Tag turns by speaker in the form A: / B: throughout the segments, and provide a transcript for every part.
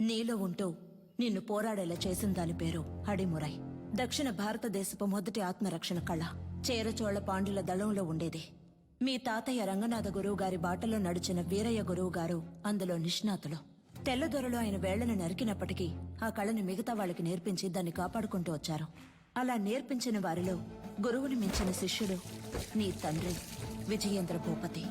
A: నీలో ఉంటూ నిన్ను పోరాడేలా చేసిన దాని పేరు అడిమురై. దక్షిణ భారతదేశపు మొదటి ఆత్మరక్షణ కళ చేరచోళ పాండ్యుల దళంలో ఉండేది. మీ తాతయ్య రంగనాథ గురువు గారి బాటలో నడిచిన వీరయ్య గురువు గారు అందులో నిష్ణాతులు. తెల్లదొరలు ఆయన వేళ్లను నరికినప్పటికీ ఆ కళని మిగతా వాళ్ళకి నేర్పించి దాన్ని కాపాడుకుంటూ వచ్చారు. అలా నేర్పించిన వారిలో గురువుని మించిన శిష్యుడు నీ తండ్రి విజయేంద్ర భూపతి.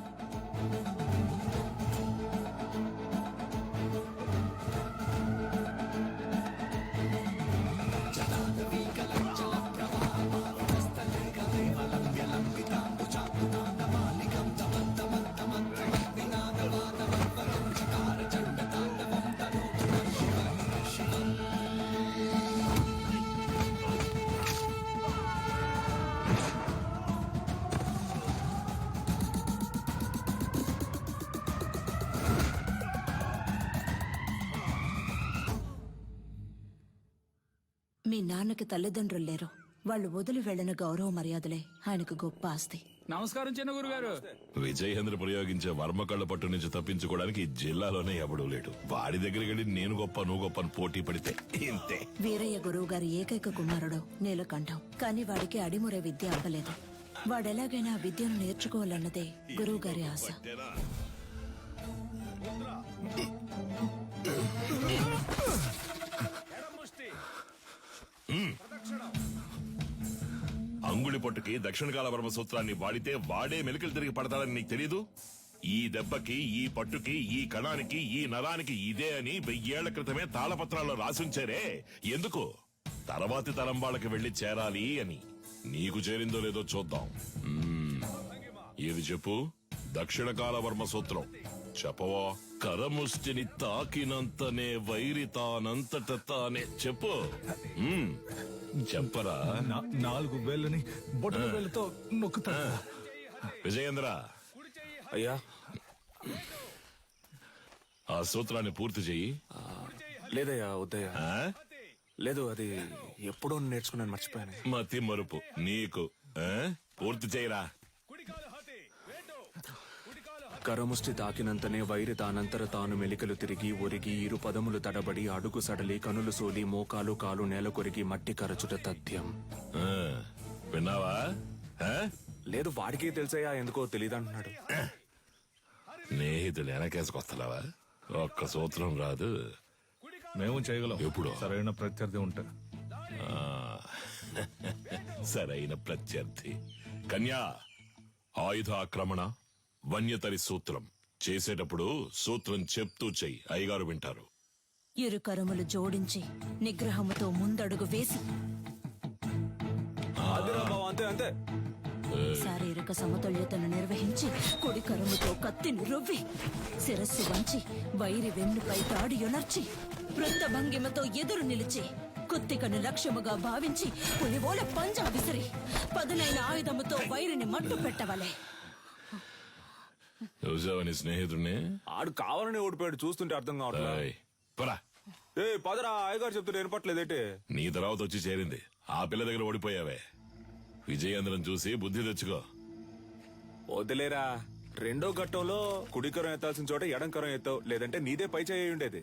A: మీ నాన్నకి తల్లిదండ్రులు లేరు. వాళ్ళు వదిలి వెళ్లిన గౌరవ మర్యాదలే ఆయనకు గొప్ప ఆస్తి.
B: నమస్కారం చిన్న గురుగారు.
C: విజయేంద్ర ప్రయోగించే వర్మకళ్ళ పట్టు నుంచి తప్పించుకోవడానికి ఈ జిల్లాలోనే ఎవడూ లేడు. వాడి దగ్గరికి వెళ్ళి నేను గొప్ప నువ్వు గొప్ప అని పోటీ పడితే ఇంతే.
A: వీరయ్య గురువు గారి ఏకైక కుమారుడు నీలకంఠం. కానీ వాడికి అడిమురే విద్య అవ్వలేదు. వాడెలాగైనా ఆ విద్యను నేర్చుకోవాలన్నదే గురువు గారి ఆశ.
C: అంగుళి పొట్టుకి దక్షిణ కాల వర్మ సూత్రాన్ని వాడితే వాడే మెలికలు తిరిగి పడతాడని నీకు తెలీదు? ఈ దెబ్బకి, ఈ పట్టుకి, ఈ కణానికి, ఈ నరానికి ఇదే అని 1000 ఏళ్ల క్రితమే తాళపత్రాల్లో రాసుంచారే. ఎందుకు? తర్వాతి తరం వాళ్ళకి వెళ్లి చేరాలి అని. నీకు చేరిందో లేదో చూద్దాం. ఏది చెప్పు? దక్షిణ కాల వర్మ సూత్రం చెప్పవా? కరముష్టిని తాకినంతనే వైరి తానంతట తానే. చెప్పు. చెప్పరా?
D: 4 వేళ్ళని బొట్టల వేళ్ళతో నొక్కుతా.
C: విజయేంద్ర,
E: అయ్యా
C: ఆ సూత్రాన్ని పూర్తి చెయ్యి.
E: లేదయ్యా, వద్దయ్యా. లేదు, అది ఎప్పుడో నేర్చుకున్నాను, మర్చిపోయాను.
C: మతి మరుపు నీకు. పూర్తి చేయరా.
E: కరముష్టి తాకినంతనే వైరి తానంతర తాను మెలికలు తిరిగి ఒరిగి ఇరు పదములు తడబడి అడుగు సడలి కనులు సోలి మోకాలు కాలు నేల కొరిగి మట్టి కరచుట తథ్యం.
C: విన్నావా?
E: లేదు, వాడికే తెలుసయ్యా, ఎందుకో తెలియదంటున్నాడు.
C: స్నేహితులు వెనకేసుకొస్తావా? ఒక్క సూత్రం రాదు.
D: మేము చేయగలం
C: ఎప్పుడు?
D: సరైన ప్రత్యర్థి ఉంటే.
C: సరైన ప్రత్యర్థి. కన్యా, ఆయుధ ఆక్రమణ వన్యతరి సూత్రం చేసేటప్పుడు సూత్రం చెప్తూ చెయ్యి. అయ్యగారు వింటారు.
A: ఇరు కరములు జోడించి నిగ్రహముతో ముందడుగు వేసి
E: అంతే అంతే.
A: శారీరక సమతుల్యతను నిర్వహించి కుడి కరముతో కత్తిని రువ్వి శిరస్సు వంచి వైరి వెన్నుపై తాడి యొనర్చి వృత్త భంగిమతో ఎదురు నిలిచి కుత్తికను లక్ష్యముగా భావించి పులివోల పంజా విసిరి పదునైన ఆయుధముతో వైరిని మట్టు పెట్టవలే.
C: చూసావని స్నేహితుడిని?
E: ఆడు కావాలని ఓడిపోయాడు, చూస్తుంటే అర్థం కావట్లేదు. పదరా, అయ్యగారు చెప్తుంటే వినపట్లేదేంటి?
C: నీ తర్వాత వచ్చి చేరింది. ఆ పిల్ల దగ్గర ఓడిపోయావే. విజయేంద్రం చూసి బుద్ధి తెచ్చుకో.
E: వదిలేరా, రెండో ఘట్టంలో కుడికరం ఎత్తాల్సిన చోట ఎడంకరం ఎత్తావు, లేదంటే నీదే పై చేయి ఉండేది.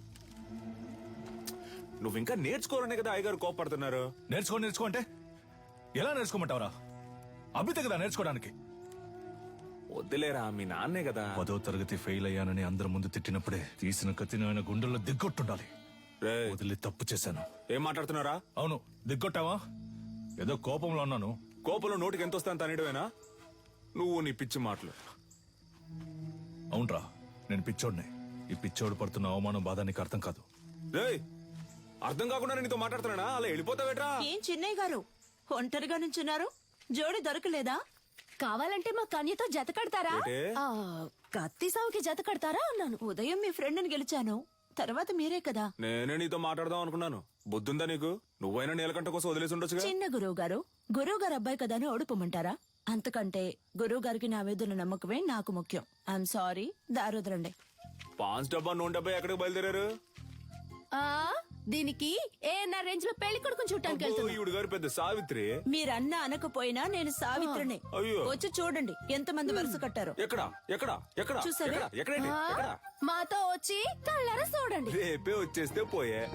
E: నువ్వు ఇంకా నేర్చుకోరనే కదా అయ్యగారు కోపడుతున్నారు.
D: నేర్చుకో అంటే ఎలా నేర్చుకోమంటావరా? అభితే కదా నేర్చుకోవడానికి.
E: వద్దులేరా, మీ నాన్నే కదా.
D: 10వ తరగతి ఫెయిల్ అయ్యానని అందరి ముందు తిట్టినప్పుడే తీసిన కత్తిని ఆయన గుండెల్లో దిగ్గొట్టుండాలి. వదిలి తప్పు చేశాను.
E: ఏం మాట్లాడుతున్నారా?
D: అవును, దిగ్గొట్టావా? ఏదో కోపంలో ఉన్నాను.
E: కోపంలో నోటికి ఎంత వస్తాను తనేయడమేనా? నువ్వు నీ పిచ్చి మాటలు.
D: అవునరా, నేను పిచ్చోడిని. ఈ పిచ్చోడు పడుతున్న అవమానం బాధ నీకు అర్థం కాదు.
E: అర్థం కాకుండా నీతో మాట్లాడుతున్నానా? అలా వెళ్ళిపోతావేట్రా?
A: ఏం చిన్నయ్య గారు ఒంటరిగా నుంచున్నారు? జోడి దొరకలేదా?
F: కావాలంటే మా కన్యతో జత కడతారా? కత్తి సావుకి జత కడతారా అన్నాను.
A: ఉదయం మీ ఫ్రెండ్ని గెలిచాను, తర్వాత మీరే కదా.
E: నేనే నీతో మాట్లాడదాం అనుకున్నాను. బుద్ధుందా నీకు? నువ్వైనా నీలకంఠ కోసం వదిలేసి ఉండొచ్చుగా.
A: చిన్న గురువు గారు అబ్బాయి కదా అని ఓడిపోమంటారా? అంతకంటే గురువు గారికి నా మీద నమ్మకమే నాకు ముఖ్యం. I'm sorry, దారుదరండి.
E: పాన్స్ డబ్బా 170 ఎక్కడికి బయలుదేరారు?
F: దీనికి ఏఎన్ఆర్ రేంజ్ లో పెళ్లి కొడుకుని చూడటానికి వెళ్తున్నా.
E: ఈవిడ గారు పెద్ద సావిత్రి.
A: మీరన్నా అనకపోయినా నేను సావిత్రినే.
E: అయ్యో.
A: వచ్చి చూడండి ఎంతమంది వరుస కట్టారో.
E: ఎక్కడ ఎక్కడ ఎక్కడ
A: చూసారా?
E: ఎక్కడ? ఎక్కడండి
F: ఆ,
E: ఎక్కడ?
F: మాతో వచ్చి కళ్ళారా చూడండి.
E: రేపే వచ్చేస్తే పోయే.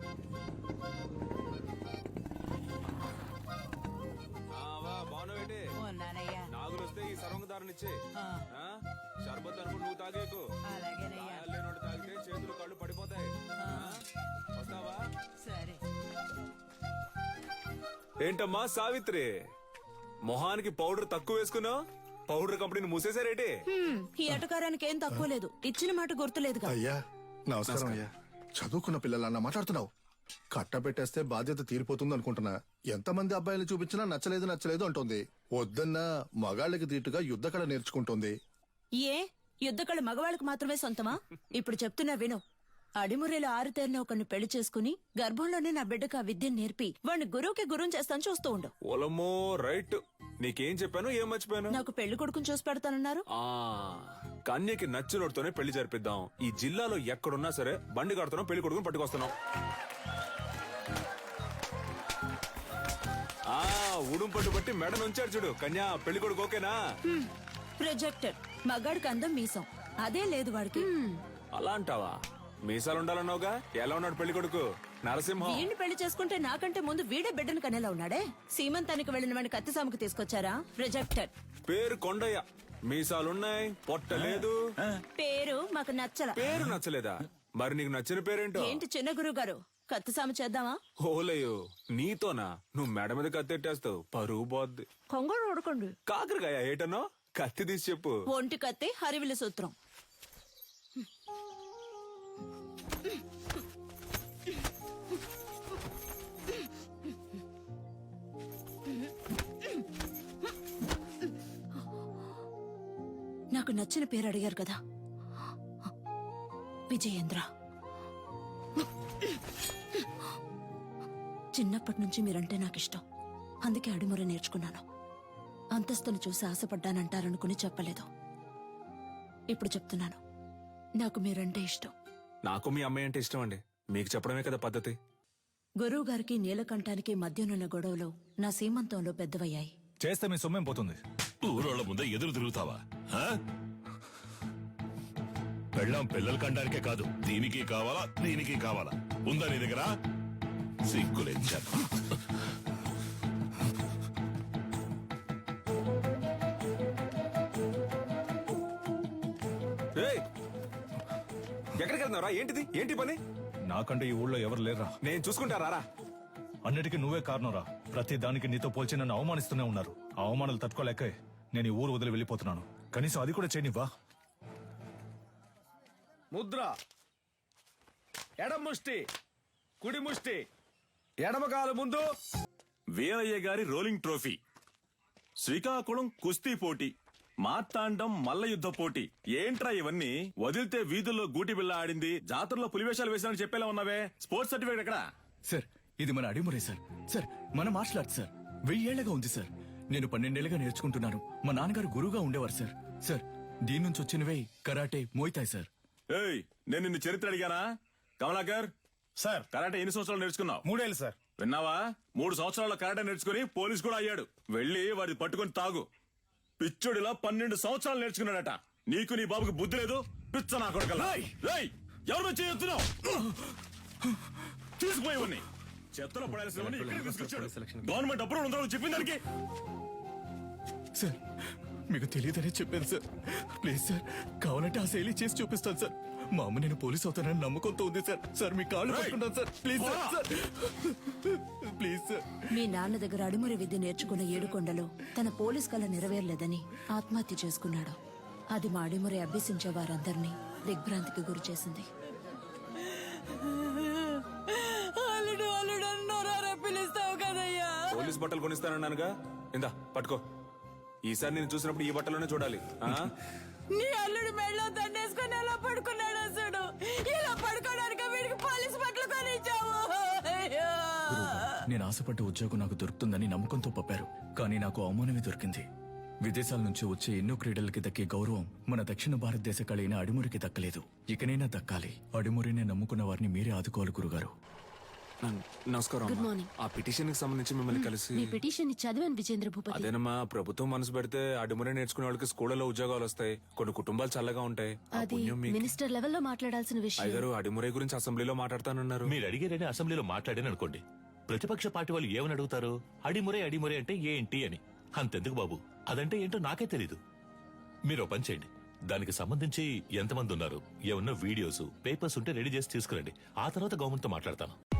E: నాగులు వస్తే ఈ సర్వంగదారునిచ్చే షర్బత్ అనుకుని నువ్వు తాగేకు. గాయాలు లేనోడు తాగితే చేతులు కళ్ళు పడిపోతాయి. వస్తావా? ఏంటమ్మా సావిత్రి, మొహానికి పౌడర్ తక్కువ వేసుకున్నావు? పౌడర్ కంపెనీని మూసేశారేటి?
A: ఈ ఎటకారానికి ఏం తక్కువ లేదు. ఇచ్చిన మాట గుర్తులేదుగా.
B: అయ్యా నమస్కారం అయ్యా. చదువుకున్న పిల్లలన్నా మాట్లాడుతున్నావు. కట్టబెట్టేస్తే బాధ్యత తీరిపోతుంది అనుకుంటున్నా. ఎంతమంది అబ్బాయిలు చూపించినా నచ్చలేదు నచ్చలేదు అంటుంది. వద్దన్నా మగాళ్ళకి దీటుగా యుద్ధకళ నేర్చుకుంటుంది.
A: ఏ యుద్ధకళ మగవాళ్ళకు మాత్రమే సొంతమా? ఇప్పుడు చెప్తున్నా విను. అడిమురేలో ఆరుతేరిన ఒకరిని పెళ్లి చేసుకుని గర్భంలోనే నా బిడ్డకు ఆ విద్యను నేర్పి వాడిని గురువుకి గురువు చేస్తాను చూస్తూ ఉండు.
E: ఓలమ్మో రైట్. నీకేం చెప్పాను, ఏం మర్చిపోయాను?
A: నాకు పెళ్లి కొడుకుని చూసి పెడతానన్నారు.
E: కన్యకి నచ్చినోడితోనే పెళ్లి జరిపిద్దాం. ఈ జిల్లాలో ఎక్కడున్నా సరే బండి కడుతున్నాం, పెళ్లి కొడుకుని పట్టుకొస్తున్నాం. ఉడుం పట్టు బట్టి మెడ నుంచాడు చూడు. కన్యా పెళ్లి కొడుకు ఓకేనా?
A: ప్రొజెక్టెడ్. మగాడికి అందం మీసం అదే లేదు వాడికి.
E: అలా అంటావా? మీసాలు ఉండాలన్నావుగా. ఎలా ఉన్నాడు పెళ్లి కొడుకు? నరసింహం.
A: వీడిని పెళ్లి చేసుకుంటే నాకంటే ముందు వీడే బిడ్డను కనేలా ఉన్నాడే. సీమంతానికి వెళ్లిన వాడిని కత్తిసాముకు తీసుకొచ్చారా? రిజెక్టెడ్.
E: పేరు కొండయ్య. మీసాలున్నాయి, పొట్ట లేదు.
A: పేరు మాకు నచ్చల.
E: పేరు నచ్చలేదా? మరి నీకు నచ్చిన పేరేంటో?
A: ఏంటి చిన్న గురువు గారు, కత్తిసాము చేద్దామా?
E: ఓలయ్యో నీతోనా? నువ్వు మెడ మీద కత్తెట్టేస్తావు, పరువు పోద్ది.
A: కొంగడు ఉడకండి.
E: కాకరకాయ ఏటనో? కత్తి తీసి చెప్పు.
A: ఒంటి కత్తి హరివిల సూత్రం. నాకు నచ్చిన పేరు అడిగారు కదా, విజయేంద్ర. చిన్నప్పటి నుంచి మీరంటే నాకు ఇష్టం. అందుకే అడిముర నేర్చుకున్నాను. అంతస్తును చూసి ఆశపడ్డానంటారనుకుని చెప్పలేదు. ఇప్పుడు చెప్తున్నాను, నాకు మీరంటే ఇష్టం.
E: నాకు మీ అమ్మాయి అంటే ఇష్టం అండి. మీకు చెప్పడమే కదా పద్ధతి.
A: గురువు గారికి నీలకంఠానికి మధ్యనున్న గొడవలు నా సీమంతంలో పెద్దవయ్యాయి.
D: చేస్తే మీ సొమ్మేం పోతుంది?
C: ఊరోళ్ళ ముందే ఎదురు తిరుగుతావా? పెళ్ళాం పిల్లలు కండానికే కాదు, దీనికి కావాలా దీనికి కావాలా? ఉందా నీ దగ్గర? సిగ్గులేంచాను.
E: ఎక్కడికి వెళ్తున్నారా? ఏంటిది? ఏంటి పని?
D: నాకంటే ఈ ఊళ్ళో ఎవరు లేరా?
E: నేను చూసుకుంటారా?
D: అన్నిటికీ నువ్వే కారణంరా. ప్రతి దానికి నీతో పోల్చి నన్ను అవమానిస్తూనే ఉన్నారు. ఆ అవమానాలు తట్టుకోలేక నేను ఈ ఊరు వదిలి వెళ్ళిపోతున్నాను. కనీసం అది కూడా చేయనివ్వా?
G: ముద్ర, ఎడమ ముష్టి, కుడి ముష్టి, ఎడమకాలు ముందు.
H: వీరయ్య గారి రోలింగ్ ట్రోఫీ, శ్రీకాకుళం కుస్తీ పోటీ, మార్తాండం మల్ల యుద్ధ పోటీ. ఏంట్రా ఇవన్నీ? వదిలితే వీధుల్లో గూటి బిళ్ళ ఆడింది, జాతరలో పులివేషాలు వేసినని చెప్పేలా ఉన్నావే. స్పోర్ట్స్ సర్టిఫికేట్ ఎక్కడా?
I: సార్, ఇది మన అడిమురే సార్. సార్, మన మార్షల్ ఆర్ట్స్ సార్. 1000 ఏళ్లగా ఉంది సార్. నేను 12 ఏళ్లుగా నేర్చుకుంటున్నాను. మా నాన్నగారు గురువుగా ఉండేవారు సార్. సార్, దీని నుంచి వచ్చినవే కరాటే, మోయితాయ్ సార్.
H: ఏయ్, నేను నిన్ను చరిత్ర అడిగానా? కమలాకర్
G: సార్,
H: కరాటే ఎన్ని సంవత్సరాలు నేర్చుకున్నావు?
G: 3 ఏళ్ళు సార్.
H: విన్నావా? 3 సంవత్సరాల కరాటే నేర్చుకుని పోలీస్ కూడా అయ్యాడు. వెళ్ళి వాడి పట్టుకొని తాగు. పిచ్చుడిలా 12 సంవత్సరాలు నేర్చుకున్నాడట. నీకు నీ బాబుకి బుద్ధి లేదు. పిచ్చ నా కొడుకల్లా. ఏయ్, ఎవరు వచ్చి చెప్తున్నావు? తీసుకుపోయేవన్నీ చెత్తలో పడాల్సినవన్నీ ఇక్కడికి తీసుకొచ్చాడు. గవర్నమెంట్ అప్రూవల్ ఉందో చెప్పింది దానికి.
I: సార్, మీకు తెలియదనే చెప్పాను సార్. ప్లీజ్ సార్, కావాలంటే ఆ శైలి చేసి చూపిస్తాను సార్. మా అమ్మ నేను పోలీస్ అవుతానని నమ్మకంతో ఉంది సార్. సార్, మీ కాళ్ళు పట్టుకుంటాను sir. Please sir, sir. Please sir.
A: మీ నాన్న దగ్గర అడిమురి విద్య నేర్చుకున్న ఏడుకొండలో తన పోలీస్ కళ నెరవేరలేదని ఆత్మహత్య చేసుకున్నాడు. అది మా అడిమురి అభ్యసించే వారందరినీ దిగ్భ్రాంతికి గురి చేసింది.
E: పోలీస్ బట్టలు కొనిస్తానన్నానుగా. ఇందా పట్టుకో. ఈసారి నేను చూసినప్పుడు ఈ బట్టలోనే చూడాలి.
A: నీ అల్లుడు మెళ్ళో దండేసుకుని ఎలా పడుకున్నాడు అసలు? ఇలా పడుకోవడానికి వీడికి పోలీసు బట్టలు కొనిచ్చావు.
I: నేను ఆశపడ్డ ఉద్యోగం నాకు దొరుకుతుందని నమ్మకంతో పంపారు. కానీ నాకు అవమానమే దొరికింది. విదేశాల నుంచి వచ్చే ఎన్నో క్రీడలకి దక్కే గౌరవం మన దక్షిణ భారతదేశ కళైన అడిమురికి దక్కలేదు. ఇకనైనా దక్కాలి. అడిమురినే నమ్ముకున్న వారిని మీరే ఆదుకోవాలి గురుగారు.
E: నమస్కారం
F: Good
E: అమ్మా.
F: morning.
E: ఆ పిటిషన్ కి సంబంధించి మిమ్మల్ని కలిసి
F: మీ పిటిషన్ ని చదివాను విజేంద్ర భూపతి.
E: అదేనమ్మా ప్రభుత్వం మనసు పెడితే అడుమురే నేర్చుకునే వాళ్ళకి స్కూళ్ళలో ఉద్యోగాలు వస్తాయి, కొన్ని కుటుంబాలు చల్లగా ఉంటాయి. ఆ
F: అది
E: పుణ్యం మీకు.
F: మినిస్టర్ లెవెల్లో మాట్లాడాల్సిన విషయం.
E: అయ్యగారు అడిమురే గురించి అసెంబ్లీలో మాట్లాడతానన్నారు.
C: మీరు అడిగారని అసెంబ్లీలో మాట్లాడాను అనుకోండి, ప్రతిపక్ష పార్టీ వాళ్ళు ఏమని అడుగుతారు? అడిమురే అడిమురే అంటే ఏంటి అని. అంతెందుకు బాబు, అదంటే ఏంటో నాకే తెలీదు. మీరు ఓ పని చేయండి, దానికి సంబంధించి ఎంతమంది ఉన్నారు, ఏమన్నా వీడియోస్ పేపర్స్ ఉంటే రెడీ చేసి తీసుకురండి. ఆ తర్వాత గవర్నమెంట్ తో మాట్లాడతాను.